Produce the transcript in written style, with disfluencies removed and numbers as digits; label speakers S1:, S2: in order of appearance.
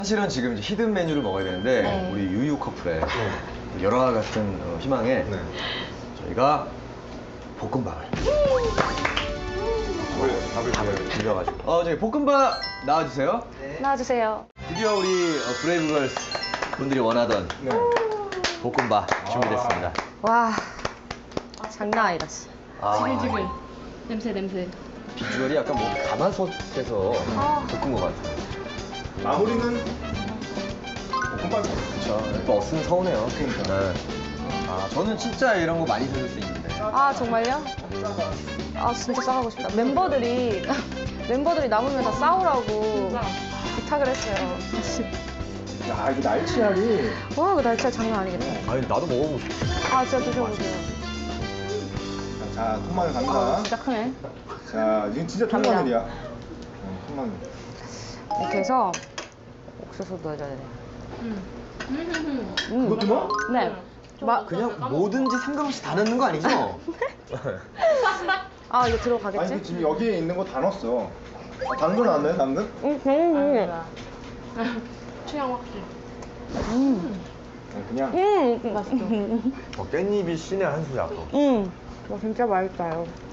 S1: 사실은 지금 이제 히든 메뉴를 먹어야 되는데
S2: 네.
S1: 우리 유유 커플의 열화 같은 희망에
S3: 네.
S1: 저희가 볶음밥을
S3: 밥을
S1: 비벼가지고 저기 볶음밥 나와주세요.
S2: 나와주세요.
S1: 드디어 우리 브레이브걸스 분들이 원하던 볶음밥 준비됐습니다.
S2: 와, 장난 아니다. 진짜.
S4: 지글지글. 냄새.
S1: 비주얼이 약간 뭐 가마솥에서 볶은 것 같아요.
S3: 마무리는 볶음밥.
S1: 그렇죠. 또 없으면 서운해요.
S3: 그러니까.
S1: 저는 진짜 이런 거 많이 사줄 수 있는데.
S2: 아, 정말요? 아, 진짜 싸가고 싶다. 멤버들이 남으면 다 싸우라고 부탁을 했어요.
S3: 야, 이거 날치알이.
S2: 와, 이거 날짜 장난 아니겠다.
S1: 아니 나도 먹어보고 싶어.
S2: 아, 진짜 드셔보세요.
S3: 자, 통마늘
S2: 아,
S3: 갑니다.
S2: 진짜 크네.
S3: 자, 이건 진짜
S2: 갑니다.
S3: 통마늘이야. 통마늘.
S2: 이렇게 해서 옥수수 넣어줘야 돼.
S3: 그것도 넣어?
S2: 네.
S1: 그냥 뭐든지 상관없이 다 넣는 거 아니죠?
S2: 아, 이거
S3: 아니,
S2: 들어가겠지?
S3: 근데 지금 여기에 있는 거 다 넣었어. 당근 안 넣어요, 당근?
S4: 취향 확실.
S3: 그냥.
S2: 맛있어.
S1: 깻잎이 신의 한 수야.
S2: 와, 진짜 맛있어요.